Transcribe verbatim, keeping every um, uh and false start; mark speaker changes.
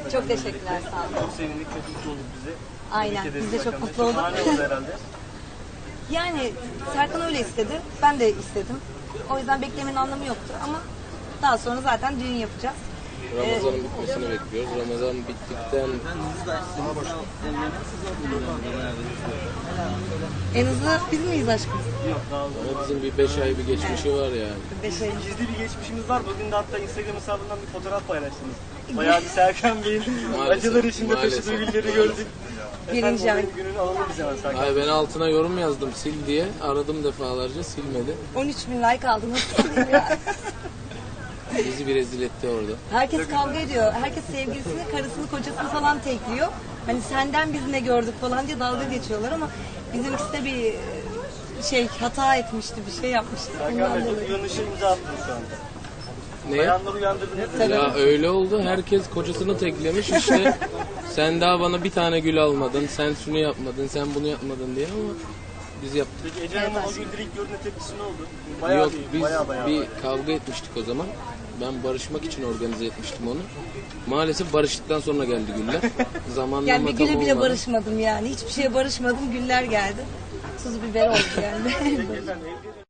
Speaker 1: Çok teşekkürler, sağ olun.
Speaker 2: Çok sevindik, çok mutlu olduk bizi.
Speaker 1: Aynen,
Speaker 2: Tebrik ederiz
Speaker 1: biz de çok
Speaker 2: Serkan Bey.
Speaker 1: mutlu olduk.
Speaker 2: Şahane oldu herhalde.
Speaker 1: Yani Serkan öyle istedi, ben de istedim. O yüzden beklemenin anlamı yoktu ama daha sonra zaten düğün yapacağız.
Speaker 3: Ramazan'ın bitmesini bekliyoruz. Ramazan bittikten
Speaker 1: En hızlı biz miyiz aşkım?
Speaker 2: Yok, daha uzun.
Speaker 3: ama bizim bir beş ay bir geçmişi var yani.
Speaker 1: Beş ay.
Speaker 2: Gizli bir geçmişimiz var. Bugün de hatta Instagram hesabından bir fotoğraf paylaştınız. Bayağı bir Serkan Bey'in
Speaker 3: Maalesef,
Speaker 2: acılar içinde
Speaker 3: maalesef,
Speaker 2: taşıdığı günleri
Speaker 3: maalesef.
Speaker 2: gördük.
Speaker 1: Birinci ay.
Speaker 2: Efendim o günün alalım biz hemen Serkan.
Speaker 3: Ay ben altına yorum yazdım sil diye. Aradım defalarca silmedi.
Speaker 1: on üç bin like aldı, nasıl diyeyim ya?
Speaker 3: Bizi bir rezil etti orada.
Speaker 1: Herkes kavga ediyor. Herkes sevgilisini, karısını, kocasını falan tekliyor. Hani senden biz ne gördük falan diye dalga geçiyorlar ama bizimkisi de bir şey hata etmişti, bir şey yapmıştı.
Speaker 2: Serkan
Speaker 1: Ondan
Speaker 2: Bey çok
Speaker 1: dolayı.
Speaker 2: uyanışa imza attınız şu anda.
Speaker 3: Ne?
Speaker 2: Bayanları uyandırdınız.
Speaker 1: Tabii.
Speaker 3: Ya öyle oldu. Herkes kocasını teklemiş işte. Sen daha bana bir tane gül almadın. Sen şunu yapmadın. Sen bunu yapmadın diye ama biz yaptık.
Speaker 2: Peki Ece Hanım'ın o gün ilk gördüğünde tepkisi ne oldu? Bayağı
Speaker 3: Yok
Speaker 2: değil,
Speaker 3: biz
Speaker 2: bayağı bayağı.
Speaker 3: bir kavga etmiştik o zaman. Ben barışmak için organize etmiştim onu. Maalesef barıştıktan sonra geldi güller. Zamanlama
Speaker 1: Yani bir
Speaker 3: tam
Speaker 1: güle bile
Speaker 3: olmadı.
Speaker 1: barışmadım yani. Hiçbir şeye barışmadım, güller geldi. Tuz biber oldu yani.
Speaker 2: Peki efendim, evde-